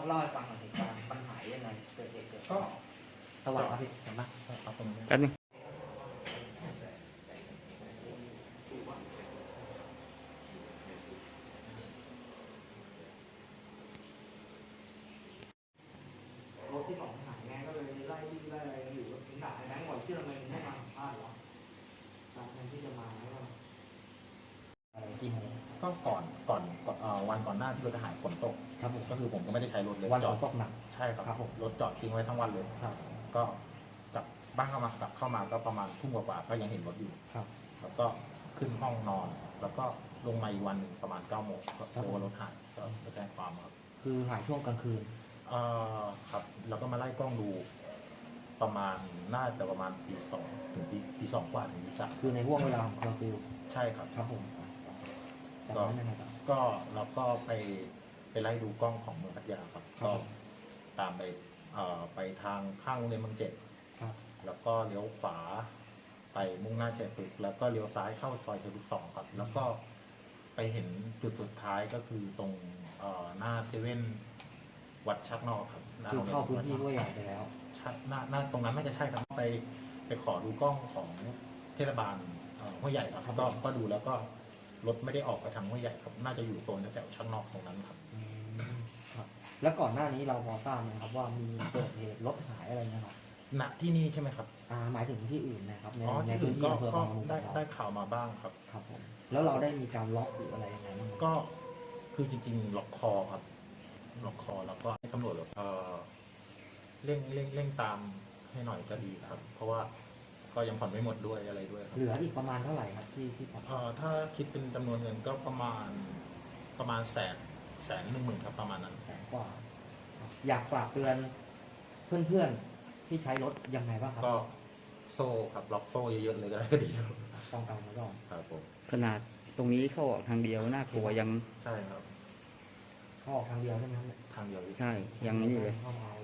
เล่าให้ฟังหน่อยเหตุการณ์ปัญหายังไงเกิดเหตุเกิดก็สวัสดีครับพี่เห็นปะเอาตรงนี้แป๊บนึงรถที่สองหายไงก็เลยไล่อะไรอยู่ถึงด่าไอ้แบงค์ก่อนที่เราไม่มาสัมภาษณ์หรอจากนั้นที่จะมาแล้วก็อะไรกี่โมงก็วันก่อนหน้าที่รถจะหายฝนตกครับผมก็คือผมก็ไม่ได้ใช้รถเลยวันจฝอดนตกหนักใช่ครับครับผมรถจอดทิ้งไว้ทั้งวันเลยครับก็กลับบ้านกลับเข้ามาก็ประมาณทุ่มกว่าๆก็ยังเห็นรถอยู่ครับแล้วก็ขึ้นห้องนอน แล้วก็ลงมาอีกวันหนึ่งประมาณ9 โมงก็โทรว่ารถหายก็ไปแจ้งความครับคือหายช่วงกลางคืนครับแล้วก็มาไล่กล้องดู น่าจะประมาณตี 2ถึงตี 2 กว่าถึงตี 3 คือในห่วงเวลาของเคอร์ฟิวใช่ครับครับผมจากนั้นยังไงต่อก็เราก็ไปไล่ดูกล้องของเมืองพัทยาครับครัก็บตามไปทางข้างโรงเรียนเมืองเจ็ดครับแล้วก็เลี้ยวขวาไปมุ่งหน้าชัยพฤกษ์แล้วก็เลี้ยวซ้ายเข้าซอยชัยพฤกษ์2ครับ แล้วก็ไปเห็นจุดสุดท้ายก็คือตรงหน้าเซเว่นวัดชักนอกครับหน้คือโรงรียเข้าพื้นที่ด้วยใหญ่ไปแล้วใช่หน้าตรงนั้นน่าจะใช่ครับไปขอดูกล้องของเทศบาลห้วยใหญ่ครับครับก็ดูแล้วก็รถไม่ได้ออกไปทางห้วยใหญ่ครับน่าจะอยู่โซนแถวชักนอกตรงนั้นครับครับ แล้วก่อนหน้านี้เราพอทราบไหมครับว่ามีเกิดเหตุรถหายอะไรนะครับณที่นี่ใช่ไหมครับหมายถึงที่อื่นนะครับในที่พื้อื่นนที่ก็อำเภอบางละมุงได้ข่าวมาบ้างครับครับผมแล้วเราได้มีการล็อกหรืออะไรยังไงบ้างไหมก็คือจริงๆล็อกคอครับล็อกคอแล้วก็ให้ตำรวจเร่งตามให้หน่อยก็ดีครับ เพราะว่าก็ยังผ่อนไม่หมดด้วยอะไรด้วยครับเหลืออีกประมาณเท่าไหร่ครับที่ผ่อนถ้าคิดเป็นจำนวนเงินก็ประมาณ110,000ครับประมาณนั้นแสนกว่าครับอยากฝากเตือนเพื่อนๆที่ใช้รถยังไงบ้างครับก็โซ่ครับล็อกโซ่เยอะๆเลยก็ได้ก็ดีครับป้องกันไว้ก่อนครับผมขนาดตรงนี้เข้าออกทางเดียวน่ากลัวยังใช่ครับเข้าออกทางเดียวใช่ไหมครับเนี่ยทางเดียวใช่ยังนี่เลยเข้ามา